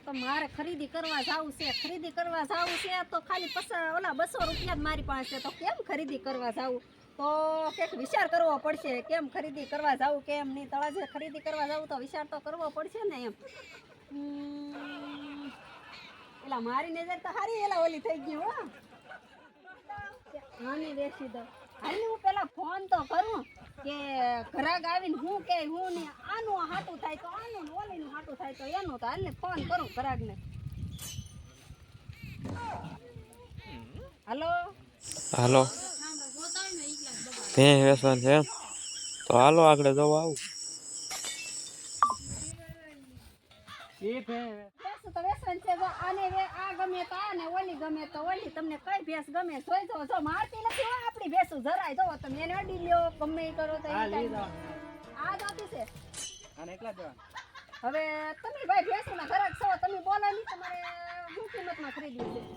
તો મારે ખરીદી કરવા જાવું છે તો ખાલી ઓલા 200 રૂપિયા જ મારી પાસે તો કેમ ખરીદી કરવા જાવું તો કંઈક વિચાર કરવો પડશે કેમ ખરીદી કરવા જાવું કેમ નહીં તળાજે ખરીદી કરવા જાવું તો વિચાર તો કરવો પડશે ને એમ એલા મારી નજર તો હારી એલા ઓલી થઈ ગઈ હો આની વેચી દઉં હાલ હું પેલા ફોન તો કરું કે ઘરાક આવીને હું કે હું ને આનું હાટું થાય તો આનું ઓલીનું હાટું થાય તો એનું તો હાલને ફોન કરું ઘરાકને હાલો હાલો ભેં વેસવાનું છે તો હાલો આગળ જવા આવું તો વેસન છે જો આને આ ગમે તો આ ને ઓલી ગમે તો ઓલી તમને કઈ ભેંસ ગમે જોઈ જો મારતી નથી હો આપણી ભેંસું જરાય જો તમે એને અડી લ્યો ગમે ઈ કરો તો આ જાતી છે આને એકલા દેવા હવે તમે ભાઈ ભેંસના ઘરાક છો તમે બોલો ની તમારે શું કિંમતમાં ખરીદવી છે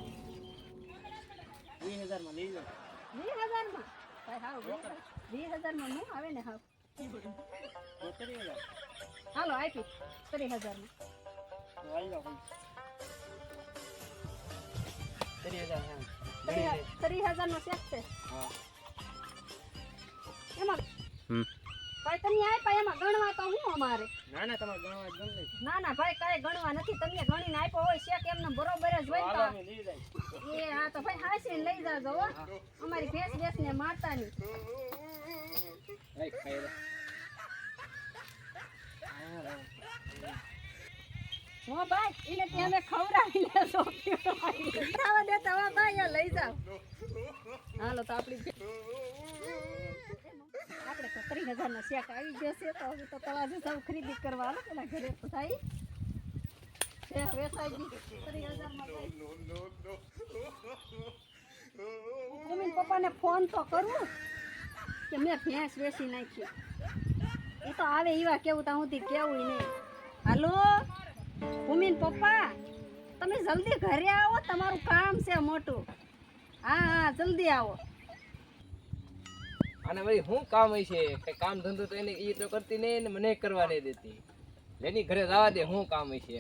20000 માં લઈ લો 20000 માં ભાઈ હાવ 20000 માં નું આવે ને હાવ 30000 હાલો આપી 30000 માં તો આવી જાવ 30000 3000 નો સેટ છે હા એમાં ભાઈ તમે આપ્યા એમાં ગણવા તો હું અમારે ના ના તમારે ગણવા ગણ લઈ ના ભાઈ કાંઈ ગણવા નથી તમે ગણીને આપ્યો હોય શેક એમને બરોબર જ હોય હાલો મે લઈ જાય એ હા તો ભાઈ હાસીને લઈ જાજો હો અમારી ભેંસ ને મારતા નહીં એ ખાઈ લે હો ભાઈ એને તે અમે ખવડાવી લેજો ખાવા દેતા હો ભાઈ આ લઈ જાવ હાલો તો આપણે તો 3000 નો શેક આવી ગયો છે તો હવે તો તળાજે સૌ ખરીદી કરવા હાલો પેલા ઘરે તો થાય છે વેચાઈ ગઈ 3000 માં મમ્મી પપ્પાને ફોન તો કરું કે મેં ભેંસ વેચી નાખી એ તો આવે એવા કેવું તો હું કેવું નહીં હાલો ભૂમિન પપ્પા તમે જલ્દી ઘરે આવો તમારું કામ છે મોટું હા જલ્દી આવો અને ભાઈ હું કામ હશે કે કામ ધંધો તો એને ઈ તો કરતી નહીં ને મને કરવા નહીં દેતી લેની ઘરે જવા દે હું કામ હશે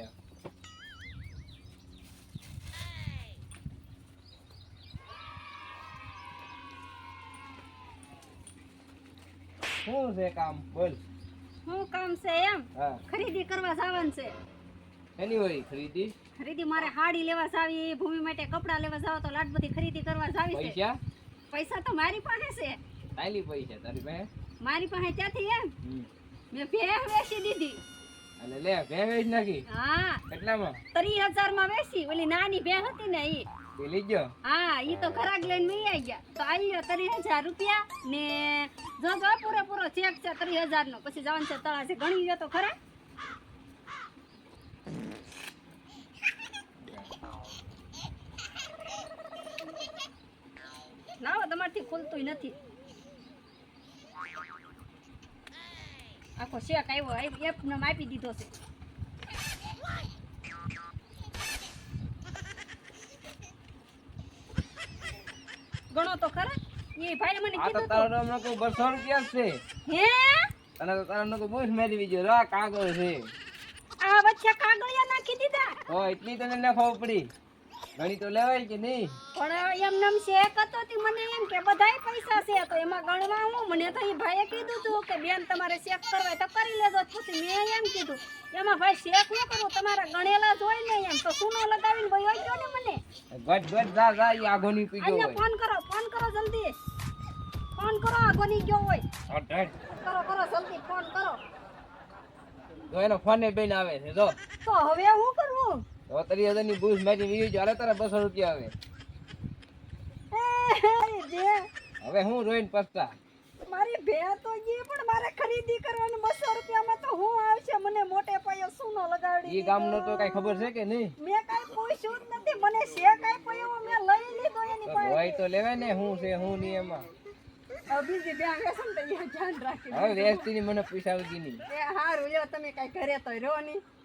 શું છે કામ બોલ શું કામ છે એમ હા ખરીદી કરવા જવાનું છે એની હોય ખરીદી મારે હાડી લેવા જાવી ભૂમિ માટે કપડા લેવા જાવ તો લાટ બધી ખરીદી કરવા જાવી છે પૈસા પૈસા તો મારી પાસે છે તાલી પૈસા તારી પાસે મારી પાસે ત્યાંથી એમ મેં ભેંસ વેચી દીધી અને લે ભેં વેચ નાખી હા કેટલામાં 30000 માં વેચી ઓલી નાની ભેંસ હતી ને ઈ એ લઈ ગયો હા ઈ તો ઘરાક લઈને મી આવી ગયા તો આવી ગયો 30000 રૂપિયા ને જો પૂરેપૂરો ચેક છે 30000 નો પછી જવાનું છે તળાજે ગણી ગયો તો ખરા લાવો તમારથી ખુલતું નથી આખો શેક આવ્યો એપ ને આપી દીધો છે ગણો તો ખરા એ ભાઈ મને આ તો કીધું તારો હમણાં કોઈ 200 રૂપિયા છે હે અને તો તારો નો બહુ મેળવી ગયો રા કાગળ છે આ વચ્ચે કાગળિયા નાખી દીધા હો એટલી તને ન ખબર પડી ઘણી તો લેવાય કે નહીં પણ એમ નમ શેક હતો તી મને એમ કે બધાય પૈસા છે તો એમાં ગણવા હું મને તો એ ભાઈએ કીધું તું કે બેન તમારે શેક કરવા તો કરી લેજો પછી મેં એમ કીધું એમાં ભાઈ શેક ન કરું તમારા ગણેલા જ હોય ને એમ તો સુનો લગાવીને ભાઈ હોય ગયો ને મને ગટ જા ઈ આગોની પી ગયો અહીંયા ફોન કરો જલ્દી ફોન કરો આગોની ગયો હોય હોય કરો જલ્દી ફોન કરો તો એનો ફોન ને બેન આવે છે જો તો હવે હું કરવું તો 3000 ની બૂસ મારી વી જો હાલે તારા 200 રૂપિયા આવે હવે હું રોઈન પસ્તા મારી ભે તો ગઈ પણ મારે ખરીદી કરવાની 200 રૂપિયામાં તો હું આવશે મને મોટે પાયે સુનો લગાડી ઈ ગામનો તો કઈ ખબર છે કે નહીં મેં કઈ પૂછ્યું જ નથી મને શેક આપ્યો એવો મેં લઈ લીધો એની પાસે હોય તો લેવે ને હું છે હું નહીં એમાં બીજી બે વેસન તો ધ્યાન રાખી હવે વેચતી ની મને પૈસા આવતી નહીં એ હારું લ્યો તમે કઈ ઘરે તો રહ્યો નહીં